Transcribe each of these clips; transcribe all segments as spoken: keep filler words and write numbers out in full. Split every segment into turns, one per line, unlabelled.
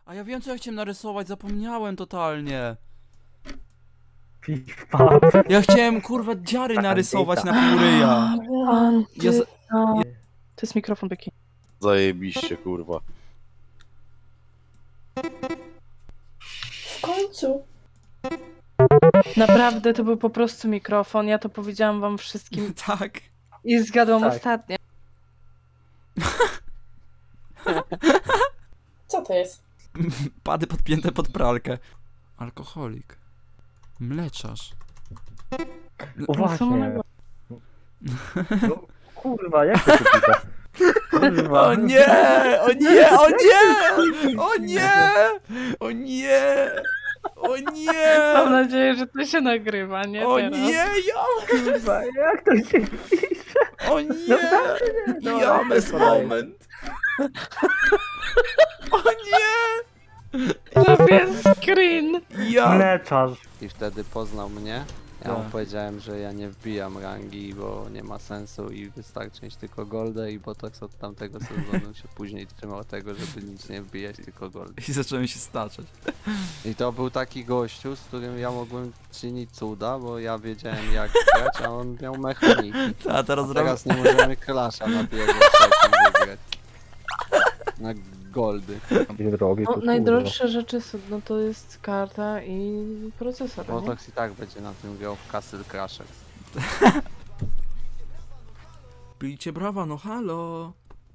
A ja wiem, co ja chciałem narysować, zapomniałem totalnie.
Pipa.
Ja chciałem, kurwa, dziary narysować na pół ryja. Ja z...
No. To jest mikrofon Beki.
Zajebiście, kurwa.
W końcu.
Naprawdę to był po prostu mikrofon. Ja to powiedziałam wam wszystkim
Tak.
i zgadłam
Tak.
ostatnio.
Co to jest?
Pady podpięte pod pralkę. Alkoholik. Mleczarz.
O
No, co mu na
właśnie.
głowie?
No, kurwa, jak to się pita? Kurwa.
O nie! O nie! O nie! O nie! O nie! O nie!
Mam nadzieję, że to się nagrywa, nie
O
teraz.
nie! Ja...
Kurwa, jak to się pisze?
O nie!
No,
James
no, no.
moment! O nie!
Zrobię screen.
Ja...
Mleczarz.
I wtedy poznał mnie. Ja mu
Tak.
powiedziałem, że ja nie wbijam rangi, bo nie ma sensu i wystarczy mieć tylko goldę i Botox od tamtego sezonu się później trzymał tego, żeby nic nie wbijać, tylko goldę.
I zacząłem się staczać.
I to był taki gościu, z którym ja mogłem czynić cuda, bo ja wiedziałem jak grać, a on miał mechaniki.
A teraz
A
robię...
teraz nie możemy klasza na pierwszym trzecim wygrać. Na goldy.
Drogi,
No,
to
najdroższe rzeczy są, no to jest karta i procesor, nie?
Botox i tak będzie na tym grał w Castle Crashers.
Bijcie brawa, no halo!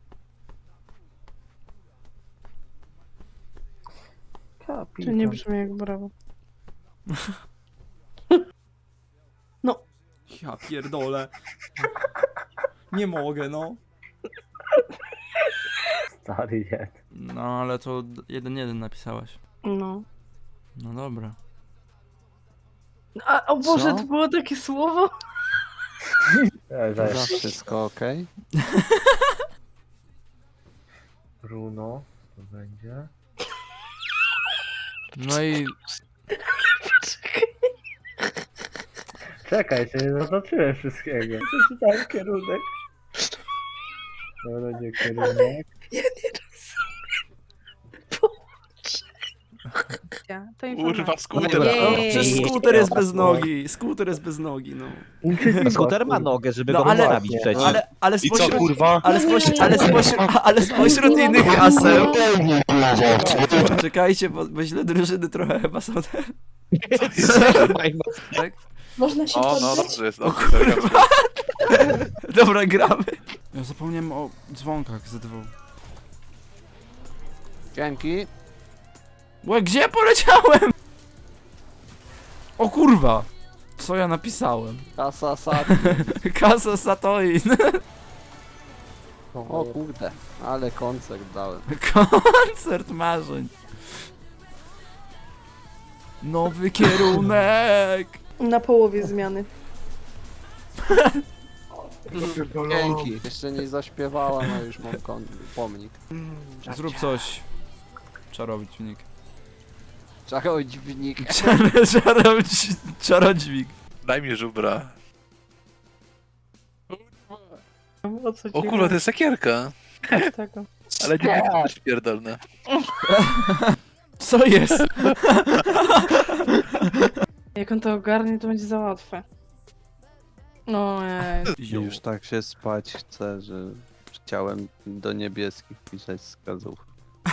Kapitan.
Czy nie brzmi jak brawo?
Ja pierdolę. Nie mogę, no.
Stary jed.
No, ale to jeden jeden napisałeś.
No.
No dobra.
A, o Boże,
Co?
to było takie słowo?
E,
Za
że
wszystko ok?
Bruno, to będzie.
No i...
Czekaj, się nie zaznaczyłem wszystkiego. Przeczytałem kierunek. To będzie kierunek.
Ja nie rozumiem. Boże. To
Kurwa, skuter.
No,
Jej.
przecież skuter jest bez nogi. Skuter jest bez nogi, no.
Skuter ma nogę, żeby
No,
go
ale-
postawić przecież.
Ale, ale
I co,
spośród...
kurwa?
Ale spośród, ale spośród, ale spośród innych haseł... Czekajcie, bo, bo źle drużyny trochę chyba są te... Tak?
Można się
O, no
poddać?
dobrze jest.
O
Dobrze,
kurwa. Dobra, gramy. Ja zapomniałem o dzwonkach ze dwóch.
Dzięki.
Łe, gdzie poleciałem? O kurwa. Co ja napisałem?
Kasa Sati.
Kasa Satoin.
O kurde, ale koncert dałem.
Koncert marzeń. Nowy kierunek.
Na połowie zmiany.
Dzięki. Jeszcze nie zaśpiewałam, a już mam kon- pomnik.
Zrób coś. Czarownik.
Czarodźwnik.
Czar czarodź czarodźwik.
Daj mi żubra.
O co ci
O kurwa, to jest sakierka.
chodzi tego?
Ale nie też pierdolne.
Co jest?
Jak on to ogarnie, to będzie za łatwe. No ej.
Już tak się spać chcę, że chciałem do niebieskich pisać wskazówki.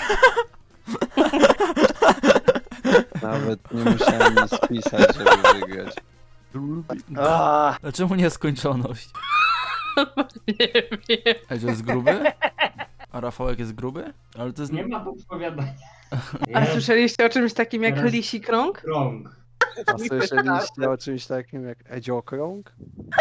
Nawet nie musiałem nic spisać, żeby wygrać.
Aaaa!
A czemu nieskończoność?
Nie wiem.
Ej, to jest gruby? A Rafałek jest gruby? Ale to jest...
Nie ma podpowiadania.
A słyszeliście o czymś takim jak
Teraz-
lisi krąg?
Krąg.
A słyszeliście o czymś takim jak Edziokrąg?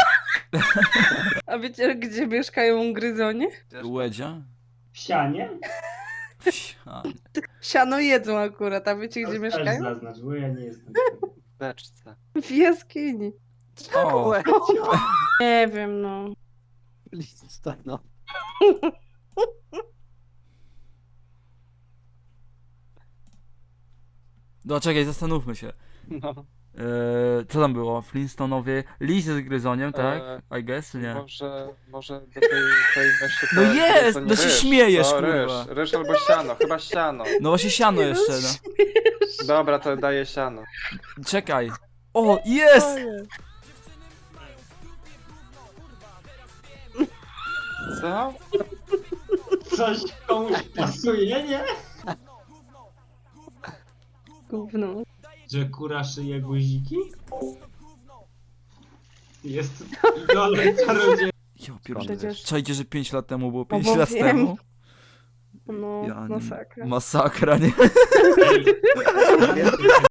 A wiecie, gdzie mieszkają gryzonie?
Łedzia?
W sianie?
Wsia.
Siano jedzą akurat, a wiecie gdzie
To też
mieszkają?
zaznacz, bo ja nie jestem.
W beczce.
W jaskini.
O.
Nie wiem, no.
Lista, no.
No czekaj, zastanówmy się.
no.
Eee, co tam było? Flintstonowie, lis z gryzoniem, tak? I guess, czy nie?
Może, może do tej, tej myśli
No
to
jest!
to nie
No się
ryż.
śmiejesz,
Co,
kurwa.
Ryż, ryż albo siano, chyba siano.
No właśnie siano jeszcze, no.
Dobra, to daję siano.
Czekaj. O, jest!
Co?
Coś komuś pasuje, nie?
Gówno.
Że kura szyje guziki? Jest idolem czarodzieja.
Ja pierdolę.
Przecież-
Czajcie, że pięć lat temu było
No
pięć
bo
lat
wiem.
temu?
No,
Ja nie-
masakra.
Masakra, nie?
Ej,